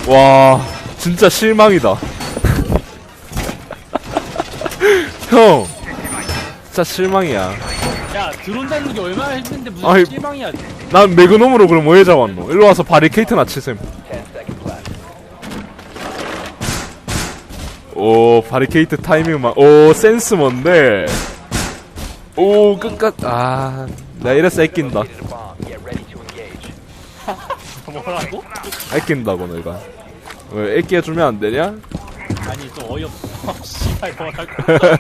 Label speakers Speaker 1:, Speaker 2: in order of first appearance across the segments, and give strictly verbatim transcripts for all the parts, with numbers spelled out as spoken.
Speaker 1: 와 진짜 실망이다. 형 진짜 실망이야.
Speaker 2: 야 드론 잡는 게 얼마나 힘든데 무슨
Speaker 1: 아이,
Speaker 2: 실망이야.
Speaker 1: 난 매그넘으로 그럼 뭐 해 잡았노? 일로 와서 바리케이트나 치셈. 오 바리케이트 타이밍만. 오 센스 뭔데. 오 끝까지. 아 나 이래서 애낀다.
Speaker 2: 뭐라고?
Speaker 1: 애낀다고 내가. 왜 애끼 해주면 안 되냐?
Speaker 2: 아니 좀 어이없어. 씨발 뭐라고?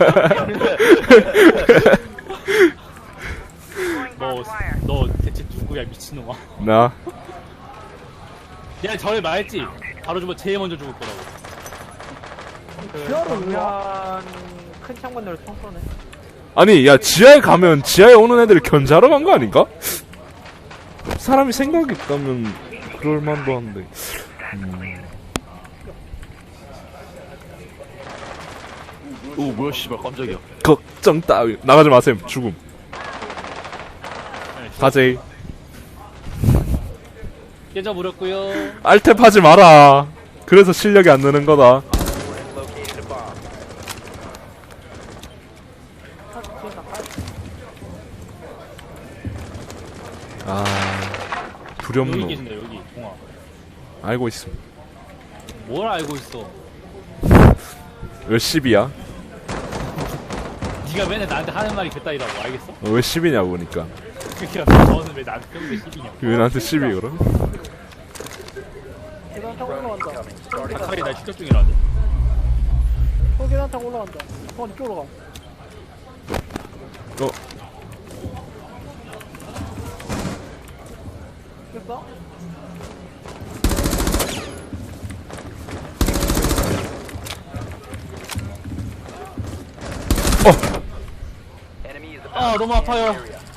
Speaker 2: 너, 너 대체 누구야 미친놈아?
Speaker 1: 나
Speaker 2: 내가 전에 말했지. 바로 주면 제일 먼저 죽을 거라고.
Speaker 3: 지하로 그러면 큰 창문으로 총 쏘네.
Speaker 1: 아니 야 지하에 가면 지하에 오는 애들을 견제하러 간 거 아닌가? 사람이 생각이 있다면 그럴 만도 한데. 음.
Speaker 4: 오 뭐야 씨발 깜짝이야.
Speaker 1: 걱정 따위 나가지 마셈. 죽음. 가제이.
Speaker 2: 깨져버렸고요.
Speaker 1: 알탭 하지 마라. 그래서 실력이 안 느는 거다. 아
Speaker 2: 여기
Speaker 1: 두렵노.
Speaker 2: 계신다 여기 동아.
Speaker 1: 알고 있음.
Speaker 2: 뭘 알고 있어?
Speaker 1: 왜 십이야?
Speaker 2: 네가 맨날 나한테 하는 말이 그따위라고 알겠어?
Speaker 1: 어, 왜 십이냐고 보니까.
Speaker 2: 그니까 너는 왜 나한테 평소에 십이냐고.
Speaker 1: 왜 나한테 십이 그럼?
Speaker 3: 계단 타고 올라간다.
Speaker 2: 가까이 날 추적 중이라는데.
Speaker 3: 어, 계단 타고 올라간다. 어, 이쪽으로 가.
Speaker 1: 어
Speaker 3: 됐어?
Speaker 2: 아 너무 아파요.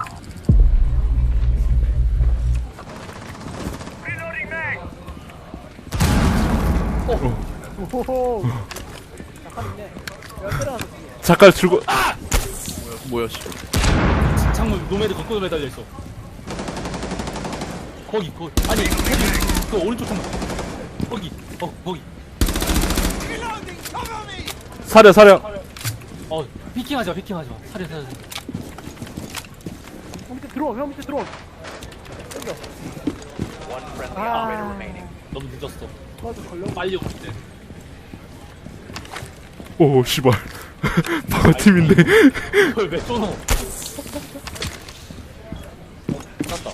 Speaker 3: 오호호. 약간 있네. 내가 때려놨어.
Speaker 1: 잠깐 죽어.
Speaker 4: 뭐야 씨발.
Speaker 2: 창문 노매드 거꾸로 매달려 있어. 거기 거기 아니 거기 그 오른쪽 창문. 거기 어 거기.
Speaker 1: 사려 사려.
Speaker 2: 어 피킹하지 마 피킹하지 마. 사려 사려. 사려.
Speaker 3: 형 밑에 들어와, 형 밑에 들어와. 땡겨. 아,
Speaker 2: 너무 늦었어.
Speaker 3: 맞아, 걸려.
Speaker 2: 빨리 오면 돼.
Speaker 1: 오 씨발. 방어팀인데.
Speaker 2: 그걸 왜 쏘노? 어, 쐈다.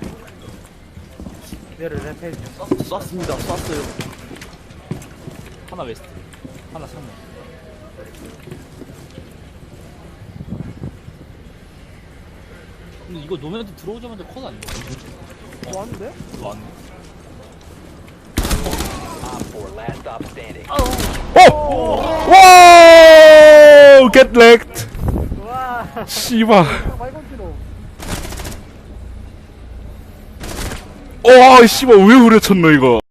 Speaker 3: 얘를 랩해.
Speaker 4: 쐈, 쐈습니다. 쐈어요.
Speaker 2: 하나 웨스트. 하나 창문. 근데 이거 노면한테 들어오자마자 컷 아니야?
Speaker 3: 뭐 하는데?
Speaker 2: 왔네.
Speaker 1: 오! 와! Get wrecked.
Speaker 3: 와,
Speaker 1: 씨발.
Speaker 3: 많이 건지노.
Speaker 1: 와, 씨발 왜 후려쳤노 이거?